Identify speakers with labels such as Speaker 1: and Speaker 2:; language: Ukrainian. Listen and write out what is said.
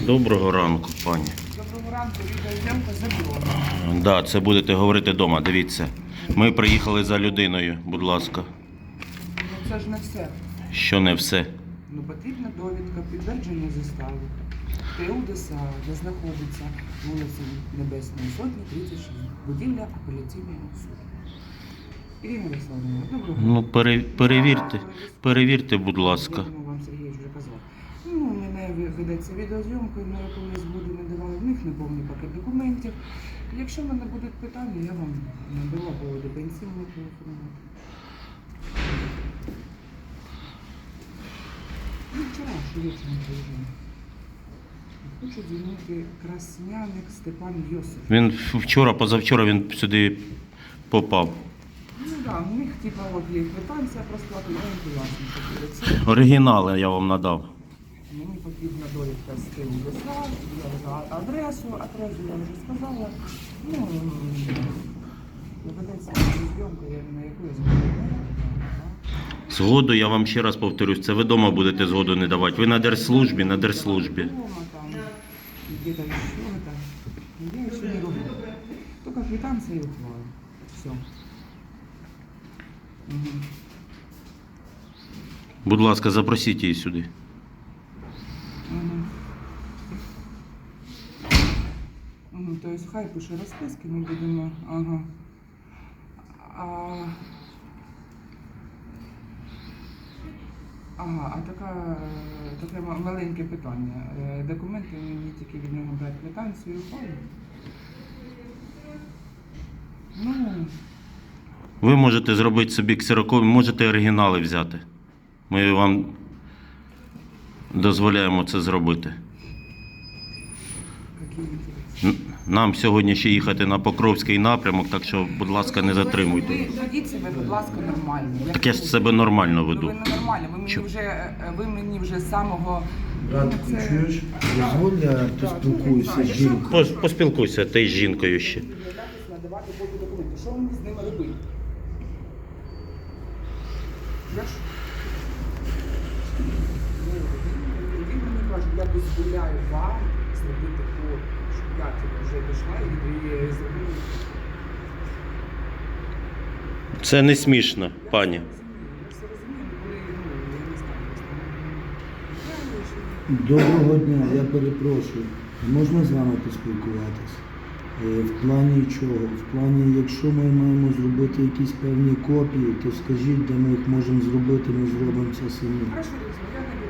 Speaker 1: Доброго ранку, пані.
Speaker 2: Доброго ранку, відеозйомка заборонена.
Speaker 1: Да, це будете говорити вдома, дивіться. Ми приїхали за людиною, будь ласка.
Speaker 2: Ну це ж не все.
Speaker 1: Що не все?
Speaker 2: Ну потрібна довідка, підтвердження застави. ТУ ДСА, де знаходиться вулиця Небесної Сотні, 36. Будівля апеляційного суду. Ірина Олександровна, доброго
Speaker 1: Ну,
Speaker 2: ранку.
Speaker 1: перевірте, будь ласка.
Speaker 2: Я думаю, вам Сергій вже казав. Ну, у мене ведеться відеозйомка, на яку я згоду не давала. В них неповний пакет документів. Якщо в мене будуть питання, я вам надала поводу пенсійного телефонувати. Ну, вчора, що вечором приїжджав. Хочу дзвонити Красняник Степан Йосиф.
Speaker 1: Він вчора, позавчора він сюди попав.
Speaker 2: Ну так, у них типа от є квитанція про сплату, я їм поясню, що
Speaker 1: Оригінали я вам надав.
Speaker 2: мені потрібна довідка з ТУ ДСА, я за адресу я вже сказала. Ну, ведеться зйомка, я на яку я згодом.
Speaker 1: Згоду, я вам ще раз повторюсь, це ви вдома будете згоду не давати. Ви на держслужбі, на держслужбі.
Speaker 2: Дома там, где-то еще это. Я еще не роблю. Только квитанция и ухвала. Все. Угу.
Speaker 1: Будь ласка, запросіть її сюди.
Speaker 2: Угу. Угу. То есть хай пише розписки, ми будемо. Ага. А таке маленьке питання. Документи мені тільки від нього брати квитанцію і ухвалу? Ну,
Speaker 1: Ви можете зробити собі ксерокопію, можете оригінали взяти. Ми вам дозволяємо це зробити.
Speaker 2: які інтереси.
Speaker 1: Нам сьогодні ще їхати на Покровський напрямок, так що, будь ласка, не затримуйте.
Speaker 2: Ви ведіть себе, будь ласка, нормально.
Speaker 1: Так я ж себе нормально
Speaker 2: Ви
Speaker 1: веду.
Speaker 2: ненормально, ви мені вже з самого...
Speaker 3: Братку, чуєш? Дозволь, я поспілкуюся з жінкою.
Speaker 1: Поспілкуйся ти з жінкою ще.
Speaker 2: Надавати копію документів. Що мені з ними робити? Я ж... Він мені каже, я дозволяю вам зробити код, щоб я вже пішла і зробила.
Speaker 1: Це не смішно, пані.
Speaker 2: Я все розумію, коли, я не знаю,
Speaker 3: Доброго дня, я перепрошую. Можна з вами поспілкуватись? В плані чого? В плані, якщо ми маємо зробити якісь певні копії, то скажіть, де ми їх можемо зробити, ми зробимо це самі.
Speaker 2: Хорошо, я не